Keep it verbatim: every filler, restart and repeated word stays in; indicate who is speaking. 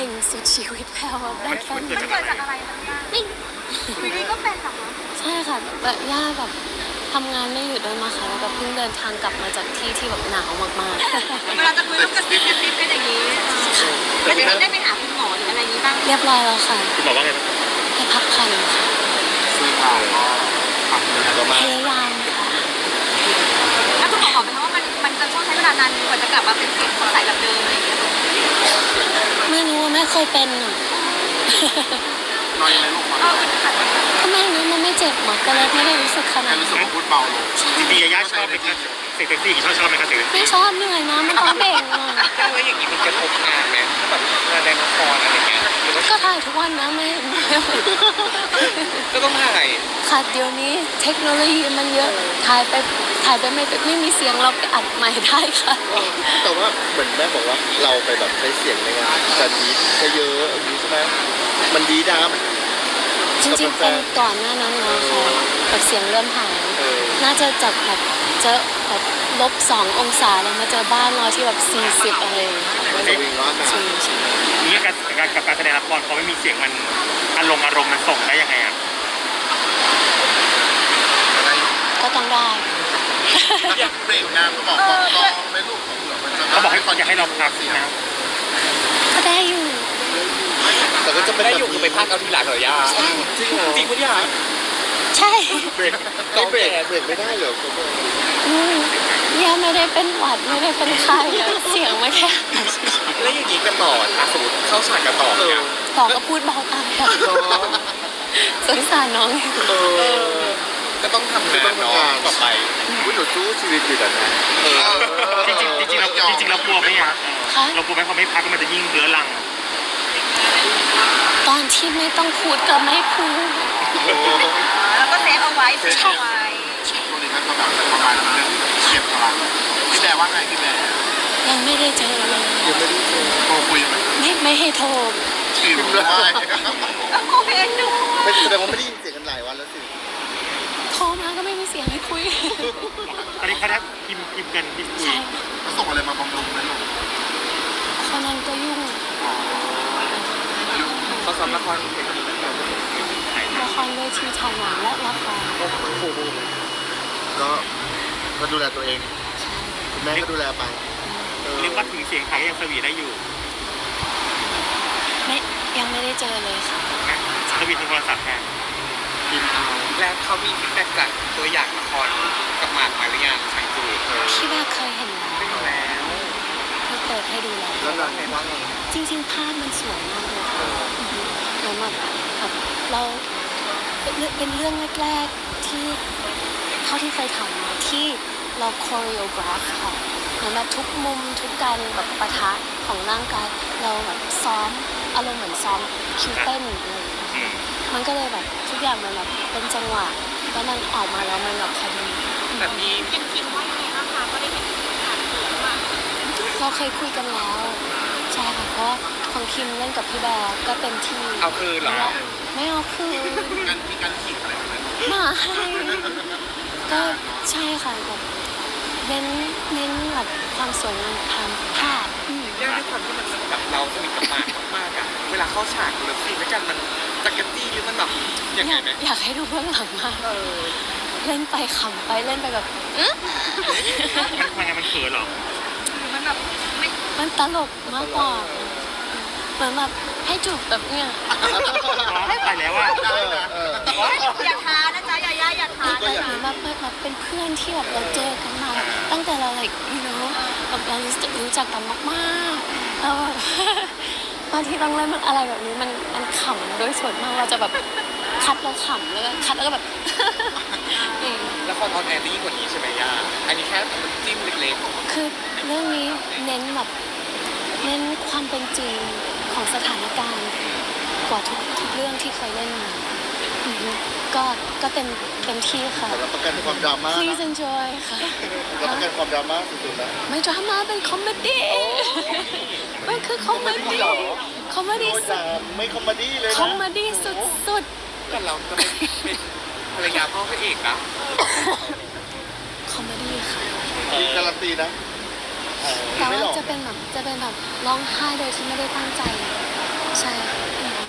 Speaker 1: งสุดชีวิตแล้วอะได้แค่นี้
Speaker 2: มันเกิดจากอะไรคะย่า
Speaker 1: นี่
Speaker 2: อยู่ดีก็เป็นเหรอคะ
Speaker 1: ใช่ค่ะแบบย่าแบบทำงานไม่หยุดด้วยมาค่ะแล้วก็เพิ่งเดินทางกลับมาจากที่ที่แบบหนาวมาก
Speaker 2: เวลาจะคุยต้องกระซิบกระซิบกันอย่างนี้แล้วจะได้ไปหาคุณหมอหรืออะไรอย่างนี้บ้าง
Speaker 1: ๆเรียบร้อยแล้วค่ะ
Speaker 3: คุณบอกว่าไงบ้าง
Speaker 1: ให้พักผ่อนค่ะ
Speaker 3: ซึ่งเราก็ทำงานก็มา
Speaker 1: พยายามค่ะ
Speaker 2: แล้วคุณหมอบอกไหมคะว่ามันมันจะต้องใช้เวลานานกว่าจะกลับมาเป็นเสียงสดใสแบบเดิมอะไรอย่างเงี้ย
Speaker 1: ไม่รู้ว่าไม่เคยเป็นอ่ะ
Speaker 3: น้อยไหมลูก
Speaker 2: เออค่ะ
Speaker 1: ก็ไม่รู้มันไม่เจ็บหมดก็เลยไม่ได้รู้สึกขนาด
Speaker 3: รู้สึก
Speaker 1: นั้น
Speaker 3: ว่าพูดเบาลงจริงๆย่าชอบไหมคะเซ็กซี่ชอบชอบไหมคะเซ็กซี่
Speaker 1: ไม่ชอบเหนื่อยนะมันต้องเบ่งอ่ะ
Speaker 4: แล้วอย่างนี้มันกระทบงานไหมแบบงานในละครอะไรเงี้ยหรือว่า
Speaker 1: ก็ถ่ายทุกวันนะไม่
Speaker 4: ก็ต้องถ่าย
Speaker 1: ค่ะเดี๋ยวนี้เทคโนโลยีมันเยอะถ่ายไปถ่ายไปไม่ไม่มีเสียงเราไปอัดใหม่ได้ค่ะ
Speaker 5: แต่ว่าเหมือนแม่บอกว่าเราไปแบบใช้เสียงในงานจะดีจะเยอะอย่างนี้ใช่ไหมมันดีดับ
Speaker 1: จริงๆเป็นก่อนหน้านั้นนะค่ะแบบเสียงเริ่มหาย
Speaker 5: เออ
Speaker 1: น่าจะจากแบบเจอแบบลบสององศาแล้วมาเจอบ้านเราที่แบบสี่สิบอะไรอย่างเงี้ย
Speaker 5: มันจะวิ่งร้อนนะ
Speaker 1: จริงใช่
Speaker 3: นี่การการกับการแสดงละครพอไม่มีเสียงมันอารมณ์อารมณ์มันส่งได้ยังไงอ่ะ
Speaker 1: ก็ต้องได้
Speaker 5: อยากเบรกงานก็บอกกองกองไม่ลูกของเหลือมันจะ
Speaker 3: เขาบอกให้อยากให้เราพักนะ
Speaker 1: ก็ได้อยู่
Speaker 5: แต่ก็จะเป็น
Speaker 4: ได้อยู่คือไปพากเอาทีหลังเหรอย่า
Speaker 5: จริงเหรอ
Speaker 4: จริงปะเนี่ย
Speaker 1: ใช่
Speaker 5: เบรกไม่เบรกเบรกไม่ได้เหรอ
Speaker 1: อืมเนี่ยไม่ได้เป็นหวัดไม่ได้เป็นไข้อะเสียงไม่แค่
Speaker 4: แล้วอย่างนี้กันต่ออ่ะสมมติเข้าฉากกันต่อ
Speaker 5: เอ
Speaker 4: เนี่
Speaker 5: อย
Speaker 1: ต่อก็พูดเบาตามค่ะ
Speaker 5: เนาะ
Speaker 1: สงสารน้อง
Speaker 5: เออ
Speaker 4: ก็ต้องทำงานเนาะต่อไป
Speaker 5: วุ้ยหนูสู้ชีวิตอยู่แต่นะเออ
Speaker 3: จริงๆจริงๆเราจริงๆเรากลัวไหมอ่ะเรากลัวไหมพอไม่พักมันจะยิ่งเรื้อรัง
Speaker 1: ตอนที่ไม่ต้องพูดก็ไม่พูด
Speaker 2: แล้วก็เซฟเอาไว้เซฟเอาไว้
Speaker 3: ช่วงนี้มันก็แบบประมาณเรื่องเก็บพลังพี่แบร์ว่าไงพี่แบร์
Speaker 1: ยังไม่ได้เจอเลย
Speaker 5: ยังไม่ได้เจอ
Speaker 3: โทรคุยไหม
Speaker 1: ไม่ไม่ให้โทร
Speaker 3: พิมพ์ได้
Speaker 2: แล้วโคเอนดู
Speaker 5: ไม่แสดงว่าไม่ได้ยินเสียงกันหลายวันแล้วสิ
Speaker 1: โทรมาก็ไม่มีเสียงให้คุย
Speaker 3: ตอนนี้เขาได้พิมพ์พิมพ์กันพิมพ์คุย
Speaker 1: ใช่
Speaker 3: ส่งอะไรมาบำรุงไหมลูก
Speaker 1: คนนั้นก็ยุ่ง
Speaker 4: เขาซ้อมละครเพลง
Speaker 1: ละครเวทีถ่ายหนังและละคร
Speaker 5: ก็ก็ดูแลตัวเองคุณแม่ก็ดูแลไปเออ
Speaker 3: เรียกว่าถึงเสียงไทยยังสวีได้อยู่
Speaker 1: ไม่ยังไม่ได้เจอเลยค่ะ
Speaker 3: สวีทางโทรศัพท์แทน
Speaker 5: กินเอา
Speaker 4: แล้วเขามีฟีดแบ็กจากตัวอย่างละครกับหมากมาหรือยังใช่จู
Speaker 1: พี่ว่าเคยเห็นแล้ว
Speaker 4: ไม่รู้แล้ว
Speaker 1: เพิ่งเปิดให้ดูแล้ว
Speaker 5: แล้วนางว่าไง
Speaker 1: จริงๆภาพมันสวยมากเลยค่ะเหมือนแบบแบบเราเป็นเรื่องแรกๆที่เท่าที่เคยทำมาที่เราคอริโอกราฟค่ะเหมือนแบบทุกมุมทุกการแบบปะทะของร่างกายเราแบบซ้อมอารมณ์เหมือนซ้อมคิวเต้นอะไรอย่างเงี้ยค่ะมันก็เลยแบบทุกอย่างมันแบบเป็นจังหวะแล้วมันออกมาแล้วมันแบบพอดี
Speaker 4: แบบนี้
Speaker 2: เป็นคิมว่ายังไงบ้างคะก็ได้เห็นผ่านสื่อมา
Speaker 1: เราเคยคุยกันแล้วใช่ค่ะเพราะของคิมเล่นกับพี่แบร์ก็เต็มที่
Speaker 4: เอาคืนเหรอ
Speaker 1: ไม่เอาคืน
Speaker 3: การมีการขีดอะไรแบบนั้น
Speaker 1: มาให้ก็ใช่ค่ะแบบเน้นเน้นแบบความสวยงามทางภาพอืม
Speaker 4: ย่าด้วยความที่มันแบบเราสนิทกับหมากมากๆอะเวลาเข้าฉากหรือซีนด้วยกันมันจักรจี้หรือมันแบบยัง
Speaker 1: อ
Speaker 4: ไง
Speaker 1: ยาก
Speaker 4: ไหม
Speaker 1: อยากให้ดูเบื้องหลังมาก
Speaker 4: เออ
Speaker 1: เล่นไปขำไปเล่นไปแบบอื้อ
Speaker 3: มันมันไงมันเขินหรอ
Speaker 2: มันแบบไม่
Speaker 1: มันตลกมากกว่าเหมือนแบบให้จูบแบบเนี้ย
Speaker 3: ไปแล้วอ่ะ
Speaker 5: เออเออ
Speaker 2: อย่าท้านะจ๊ะอย่าย่าอย่าท้า
Speaker 5: ก็อยาก
Speaker 1: เหมือนแบบแบบเป็นเพื่อนที่แบบเราเจอกันมาตั้งแต่เรา like you know แบบเรารู้จักกันมากๆแล้วแบบ บางทีต้องเล่นมันอะไรแบบนี้มันมันขำโดยส่วนมากเราจะแบบคัดแล้วขำแล้วก็คัดแล้วก็แบบ อืม
Speaker 4: ละครออนแอร์ได้ยิ่งกว่านี้ใช่ไหมย่าอันนี้แค่จิ้มเล็ก
Speaker 1: คือเรื่องนี้เน้นแบบเน้นความเป็นจริงของสถานการณ์กว่าทุกทุกเรื่องที่เคยเล่นมาอือฮึก็ก็เต็มเต็มที่ค่ะ
Speaker 5: รับประกันความดราม่า
Speaker 1: please enjoy ค่ะ
Speaker 5: รับประกันความดราม่าสุดๆนะ
Speaker 1: ไม่ดราม่าเป็นคอมเมดี้มันคือคอมเมดี้คอมเมดี้
Speaker 5: โอ้ย
Speaker 1: สุ
Speaker 5: จา
Speaker 1: ด
Speaker 5: ไม่คอมเมดี้เลย
Speaker 1: คอม
Speaker 5: นะ
Speaker 1: เมดี้สุดสุด
Speaker 4: ๆแต่เราจะเป็นเป็นภรรยาพ่อพระเอกนะ
Speaker 1: คอมเมดี้ค่ะ
Speaker 5: มีการันตีนะเออ
Speaker 1: แต่
Speaker 5: ไม่
Speaker 1: ว่า
Speaker 5: หลอก
Speaker 1: จะเป็นแบบจะเป็นแบบร้องไห้โดยที่ไม่ได้ตั้งใจ